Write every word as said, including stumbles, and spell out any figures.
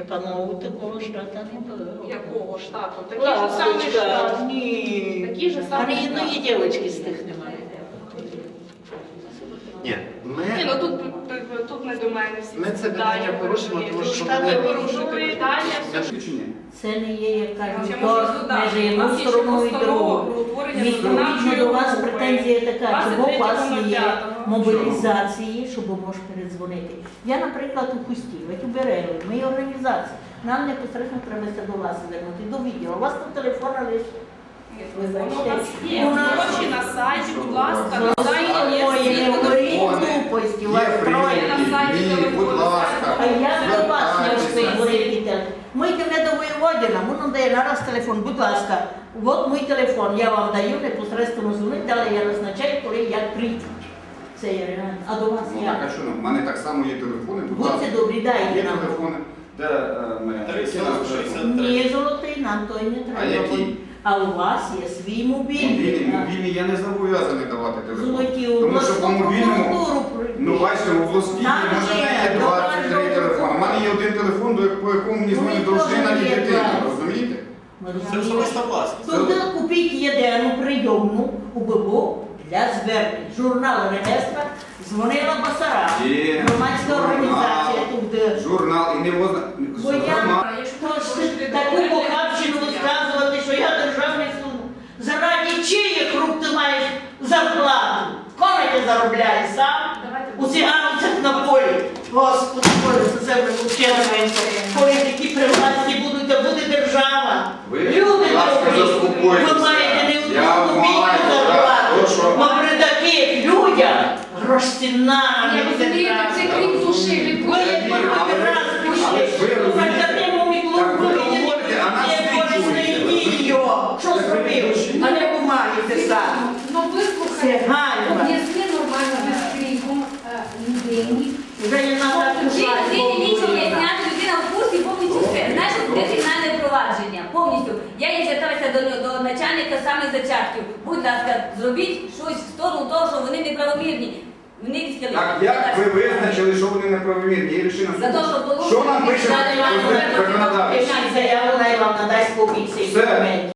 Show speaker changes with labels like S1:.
S1: При панову такого штату не було.
S2: Якого штату? Такий же самий штат.
S1: Ні.
S2: Такі ж самі
S1: Ні одної дівчинки з тих немає.
S3: Ні, ми,
S2: Ні, ну тут, тут не до мене всі
S3: ми це питання порушимо, тому що
S2: штати
S3: ми...
S2: порушують питання, все.
S4: Це не є, як кажуть,
S2: Ще
S4: то
S2: можна додати.
S4: межі
S2: У
S4: одну
S2: нас є ще
S4: сторону і
S2: постанова
S4: другу.
S2: про утворення
S4: Відповідно
S2: виконавчої
S4: до вас
S2: групи.
S4: претензія така, чому у вас не є
S2: двадцять третього
S4: мобілізації, щоб можеш передзвонити. Я, наприклад, у Хусті, у Берегу, ми є організація. Нам непосередньо треба до вас звернути, до відділу. У вас тут телефон лише.
S2: Воно у нас є. Гроші на сайті, будь ласка, на сайті є
S4: Ой,
S2: всі
S4: не говоріть
S2: телефони.
S4: глупості, у вас
S3: Є
S4: троє.
S2: на сайті
S3: Ні,
S2: телефону,
S3: будь ласка.
S4: А я до вас не
S3: звертайтеся.
S4: встиг говорити. Ми йдемо до воєводіна, він дає нараз телефон, будь ласка, от мій телефон, я вам даю, непосередньо дзвонить, далі я назначаю, коли як прийдуть. Це є реально. А до вас
S5: Ну так,
S4: як?
S5: а що, ну, в мене так само є телефони, будь ласка.
S4: Будьте добрі,
S5: Є
S4: дайте нам.
S5: телефони, де е, ми...
S4: Ні, золотий, нам той не
S5: А
S4: треба.
S5: який?
S4: А у вас є свій
S5: Мобільні,
S4: мобільний.
S5: мобільні я не зобов'язаний давати телефон.
S4: Золоті, у
S5: Тому
S4: вас
S5: що по мобільному,
S4: прокуратуру
S5: ну бачите, у Волоскій
S4: Нам
S5: може
S4: є,
S5: є двадцять три
S4: добре,
S5: телефони. У мене є один телефон, до по якому мені
S4: Ну,
S5: дзвонить
S4: і
S5: дружина
S4: теж
S5: і
S4: є
S5: дитина,
S4: двадцять.
S5: розумієте?
S3: Це особиста власність.
S4: Туди купіть єдину прийомну у ББО для звернень. Журнал реєстра дзвонила Басара.
S5: Є
S4: Громадська
S5: журнал.
S4: організація тут. де-
S5: Журнал і не возна...
S4: Бо я
S5: Журнал.
S4: Тож таку похабщину розказувати, що я державний служб. Заради чиїх рук ти маєш зарплату? Коли ти заробляєш сам? У циганцях на полі. Господи, Боже, це землю вченується. Коли такі при власті будуть, то буде держава.
S5: Ви,
S4: Люди
S5: будь ласка,
S4: добрі,
S5: заспокойтеся.
S4: ви маєте не
S5: Я
S4: одну копійку
S5: маю, так,
S4: зарплату.
S5: прошу.
S4: Бо при таких людях грошцінна.
S2: Я розумію, це крім душі, від
S4: Ви як
S5: Ні, але ви-
S4: раз прийшли.
S5: але ж ви розумієте. Так ви говорите, а нас відчуєте.
S4: Що зробив? А не бумаги сам.
S6: Ну
S4: Це
S6: вислухай,
S4: ганьба.
S6: об'ясни нормально без криком е, людині.
S4: Вже не треба
S7: Людині нічого не зняти, людина в курсі повністю все. Знаєш, де кримінальне провадження, повністю. Я їй зверталася до, до начальника саме зачатків. Будь ласка, зробіть щось в сторону того, що вони неправомірні. Вони відхилили.
S5: Так, як ви визначили, що вони неправомірні? Є рішення
S7: За те,
S5: суду.
S7: що порушили
S5: Що нам пише
S7: державний
S5: законодавець?
S4: Заяву, най вам надасть копійці.
S5: Все.